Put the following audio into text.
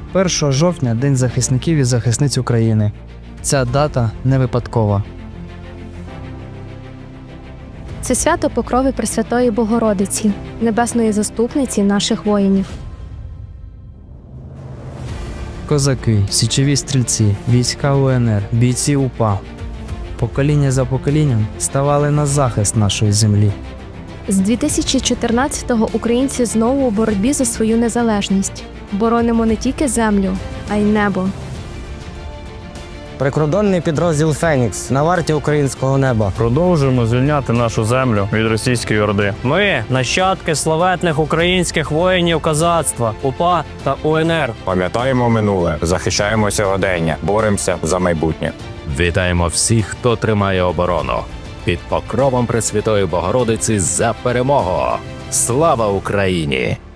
1 жовтня – День захисників і захисниць України. Ця дата не випадкова. Це свято Покрови Пресвятої Богородиці, небесної заступниці наших воїнів. Козаки, січові стрільці, війська УНР, бійці УПА. Покоління за поколінням ставали на захист нашої землі. З 2014-го українці знову у боротьбі за свою незалежність. Боронимо не тільки землю, а й небо. Прикордонний підрозділ «Фенікс» на варті українського неба. Продовжуємо звільняти нашу землю від російської орди. Ми – нащадки славетних українських воїнів козацтва, УПА та УНР. Пам'ятаємо минуле, захищаємо сьогодення, боремося за майбутнє. Вітаємо всіх, хто тримає оборону. Під покровом Пресвятої Богородиці за перемогу! Слава Україні!